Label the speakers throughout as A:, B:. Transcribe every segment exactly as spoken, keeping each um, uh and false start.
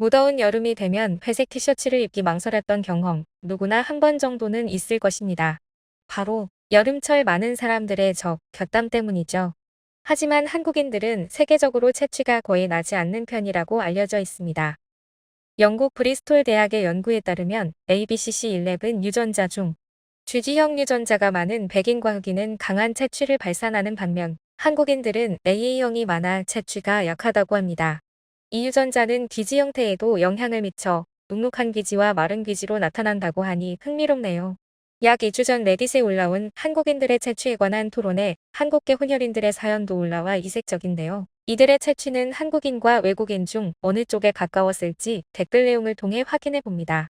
A: 무더운 여름이 되면 회색 티셔츠를 입기 망설였던 경험, 누구나 한 번 정도는 있을 것입니다. 바로 여름철 많은 사람들의 적, 곁땀 때문이죠. 하지만 한국인들은 세계적으로 채취가 거의 나지 않는 편이라고 알려져 있습니다. 영국 브리스톨 대학의 연구에 따르면 에이비씨씨 십일 유전자 중 G지형 유전자가 많은 백인과 흑인은 강한 채취를 발산하는 반면 한국인들은 에이에이형이 많아 채취가 약하다고 합니다. 이 유전자는 귀지 형태에도 영향을 미쳐 눅눅한 귀지와 마른 귀지로 나타난다고 하니 흥미롭네요. 약 이 주 전 레딧에 올라온 한국인들의 채취에 관한 토론에 한국계 혼혈인들의 사연도 올라와 이색적인데요. 이들의 채취는 한국인과 외국인 중 어느 쪽에 가까웠을지 댓글 내용을 통해 확인해 봅니다.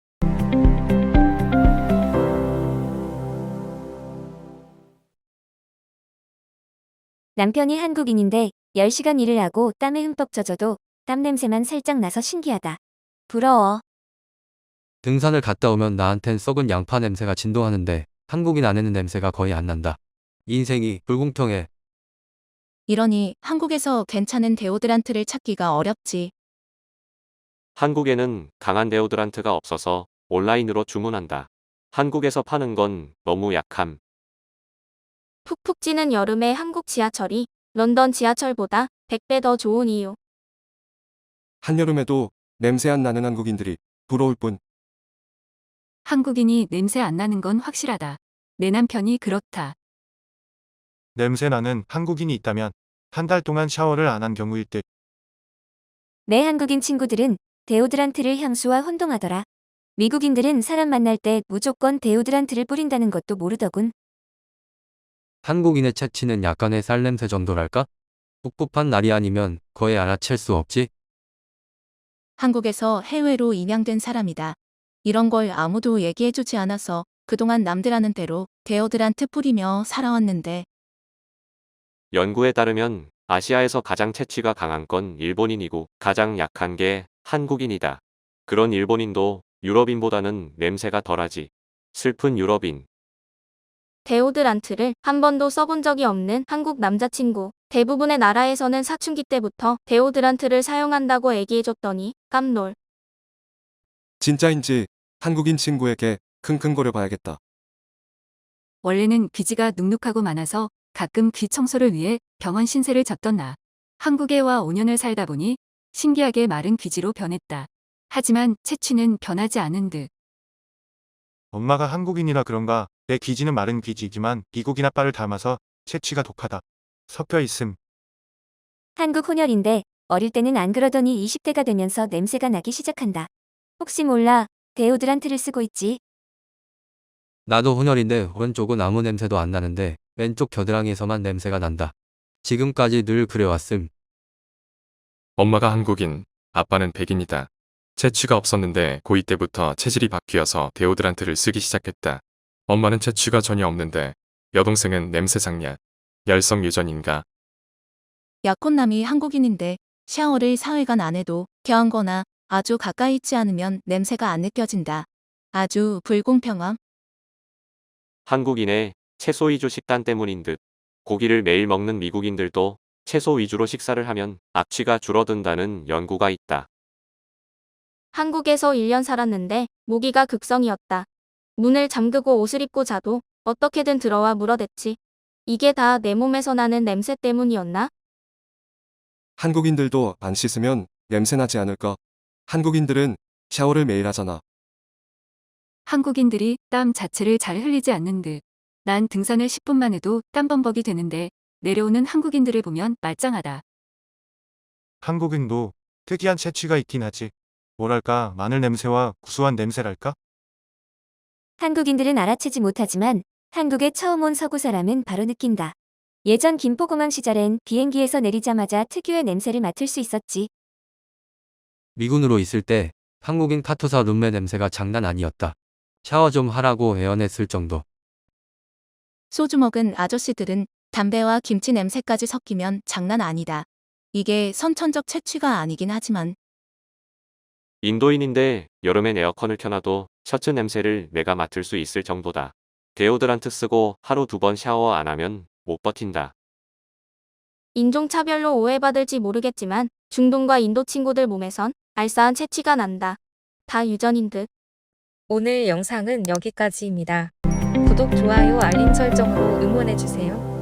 B: 남편이 한국인인데 열 시간 일을 하고 땀에 흠뻑 젖어도 땀 냄새만 살짝 나서 신기하다. 부러워.
C: 등산을 갔다 오면 나한텐 썩은 양파 냄새가 진동하는데 한국인 아내는 냄새가 거의 안 난다. 인생이 불공평해.
D: 이러니 한국에서 괜찮은 데오드란트를 찾기가 어렵지.
E: 한국에는 강한 데오드란트가 없어서 온라인으로 주문한다. 한국에서 파는 건 너무 약함.
F: 푹푹 찌는 여름에 한국 지하철이 런던 지하철보다 백 배 더 좋은 이유.
G: 한여름에도 냄새 안 나는 한국인들이 부러울 뿐.
H: 한국인이 냄새 안 나는 건 확실하다. 내 남편이 그렇다.
I: 냄새 나는 한국인이 있다면 한 달 동안 샤워를 안 한 경우일 듯.
B: 내 한국인 친구들은 데오드란트를 향수와 혼동하더라. 미국인들은 사람 만날 때 무조건 데오드란트를 뿌린다는 것도 모르더군.
C: 한국인의 채취는 약간의 쌀냄새 정도랄까? 꿉꿉한 날이 아니면 거의 알아챌 수 없지?
D: 한국에서 해외로 입양된 사람이다. 이런 걸 아무도 얘기해주지 않아서 그동안 남들 하는 대로 데오드란트 뿌리며 살아왔는데
E: 연구에 따르면 아시아에서 가장 채취가 강한 건 일본인이고 가장 약한 게 한국인이다. 그런 일본인도 유럽인보다는 냄새가 덜하지. 슬픈 유럽인.
F: 데오드란트를 한 번도 써본 적이 없는 한국 남자친구. 대부분의 나라에서는 사춘기 때부터 데오드란트를 사용한다고 얘기해줬더니 깜놀.
G: 진짜인지 한국인 친구에게 킁킁거려 봐야겠다.
H: 원래는 귀지가 눅눅하고 많아서 가끔 귀 청소를 위해 병원 신세를 졌던 나. 한국에 와 오 년을 살다 보니 신기하게 마른 귀지로 변했다. 하지만 채취는 변하지 않은 듯.
I: 엄마가 한국인이라 그런가 내 귀지는 마른 귀지이지만 미국인 아빠를 닮아서 채취가 독하다. 섞여 있음.
B: 한국 혼혈인데 어릴 때는 안 그러더니 이십 대가 되면서 냄새가 나기 시작한다. 혹시 몰라 데오드란트를 쓰고 있지?
C: 나도 혼혈인데 오른쪽은 아무 냄새도 안 나는데 왼쪽 겨드랑이에서만 냄새가 난다. 지금까지 늘 그래왔음.
J: 엄마가 한국인, 아빠는 백인이다. 채취가 없었는데 고이 때부터 체질이 바뀌어서 데오드란트를 쓰기 시작했다. 엄마는 채취가 전혀 없는데 여동생은 냄새 장냐. 열성 유전인가?
D: 약혼남이 한국인인데 샤워를 사흘간 안 해도 겨한거나 아주 가까이 있지 않으면 냄새가 안 느껴진다. 아주 불공평함.
E: 한국인의 채소 위주 식단 때문인 듯. 고기를 매일 먹는 미국인들도 채소 위주로 식사를 하면 악취가 줄어든다는 연구가 있다.
F: 한국에서 일 년 살았는데 모기가 극성이었다. 문을 잠그고 옷을 입고 자도 어떻게든 들어와 물어댔지. 이게 다 내 몸에서 나는 냄새 때문이었나?
G: 한국인들도 안 씻으면 냄새 나지 않을까? 한국인들은 샤워를 매일 하잖아.
H: 한국인들이 땀 자체를 잘 흘리지 않는 듯. 난 등산을 십 분만 해도 땀범벅이 되는데 내려오는 한국인들을 보면 말짱하다.
I: 한국인도 특이한 채취가 있긴 하지. 뭐랄까 마늘 냄새와 구수한 냄새랄까?
B: 한국인들은 알아채지 못하지만 한국에 처음 온 서구 사람은 바로 느낀다. 예전 김포공항 시절엔 비행기에서 내리자마자 특유의 냄새를 맡을 수 있었지.
C: 미군으로 있을 때 한국인 카투사 룸메 냄새가 장난 아니었다. 샤워 좀 하라고 애원했을 정도.
D: 소주 먹은 아저씨들은 담배와 김치 냄새까지 섞이면 장난 아니다. 이게 선천적 채취가 아니긴 하지만
E: 인도인인데 여름엔 에어컨을 켜놔도 셔츠 냄새를 내가 맡을 수 있을 정도다. 데오드란트 쓰고 하루 두 번 샤워 안 하면 못 버틴다.
F: 인종차별로 오해받을지 모르겠지만 중동과 인도 친구들 몸에선 알싸한 채취가 난다. 다 유전인 듯.
A: 오늘 영상은 여기까지입니다. 구독, 좋아요, 알림 설정으로 응원해주세요.